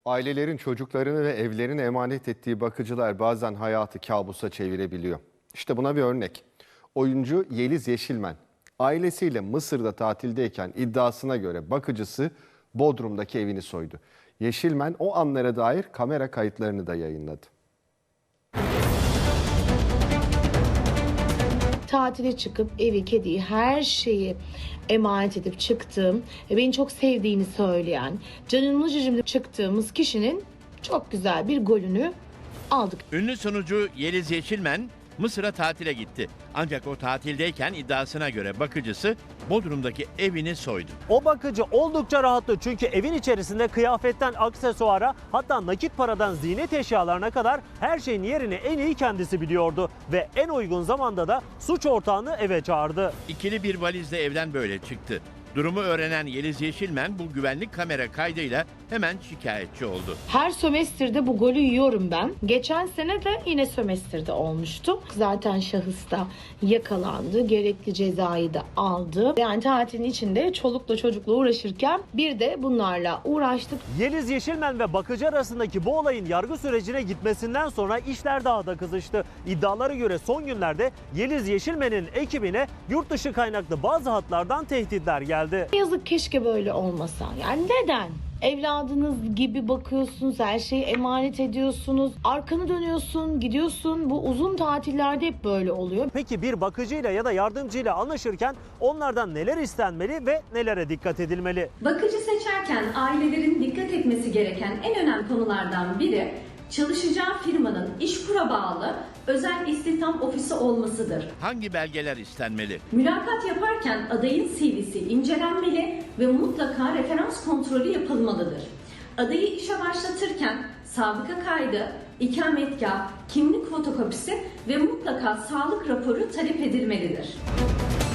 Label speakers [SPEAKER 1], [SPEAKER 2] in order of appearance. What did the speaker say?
[SPEAKER 1] Ailelerin çocuklarını ve evlerini emanet ettiği bakıcılar bazen hayatı kabusa çevirebiliyor. İşte buna bir örnek. Oyuncu Yeliz Yeşilmen ailesiyle Mısır'da tatildeyken iddiasına göre bakıcısı Bodrum'daki evini soydu. Yeşilmen o anlara dair kamera kayıtlarını da yayınladı.
[SPEAKER 2] Tatile çıkıp evi, kediyi, her şeyi emanet edip çıktığım ve beni çok sevdiğini söyleyen, canımlı cicimli çıktığımız kişinin çok güzel bir golünü aldık.
[SPEAKER 3] Ünlü sunucu Yeliz Yeşilmen Mısır'a tatile gitti. Ancak o tatildeyken iddiasına göre bakıcısı Bodrum'daki evini soydu.
[SPEAKER 4] O bakıcı oldukça rahattı çünkü evin içerisinde kıyafetten aksesuara, hatta nakit paradan ziynet eşyalarına kadar her şeyin yerini en iyi kendisi biliyordu ve en uygun zamanda da suç ortağını eve çağırdı.
[SPEAKER 3] İkili bir valizle evden böyle çıktı. Durumu öğrenen Yeliz Yeşilmen bu güvenlik kamera kaydıyla hemen şikayetçi oldu.
[SPEAKER 2] Her sömestrde bu golü yiyorum ben. Geçen sene de yine sömestrde olmuştu. Zaten şahıs da yakalandı. Gerekli cezayı da aldı. Yani tatilin içinde çolukla çocukla uğraşırken bir de bunlarla uğraştık.
[SPEAKER 4] Yeliz Yeşilmen ve bakıcı arasındaki bu olayın yargı sürecine gitmesinden sonra işler daha da kızıştı. İddialara göre son günlerde Yeliz Yeşilmen'in ekibine yurt dışı kaynaklı bazı hatlardan tehditler geldi.
[SPEAKER 2] Yazık, keşke böyle olmasa. Yani neden? Evladınız gibi bakıyorsunuz, her şeyi emanet ediyorsunuz. Arkanı dönüyorsun, gidiyorsun. Bu uzun tatillerde hep böyle oluyor.
[SPEAKER 4] Peki bir bakıcıyla ya da yardımcıyla anlaşırken onlardan neler istenmeli ve nelere dikkat edilmeli?
[SPEAKER 5] Bakıcı seçerken ailelerin dikkat etmesi gereken en önemli konulardan biri çalışacağı firmanın İşkur'a bağlı özel istihdam ofisi olmasıdır.
[SPEAKER 3] Hangi belgeler istenmeli?
[SPEAKER 5] Mülakat yaparken adayın CV'si incelenmeli ve mutlaka referans kontrolü yapılmalıdır. Adayı işe başlatırken sabıka kaydı, ikametgah, kimlik fotokopisi ve mutlaka sağlık raporu talep edilmelidir.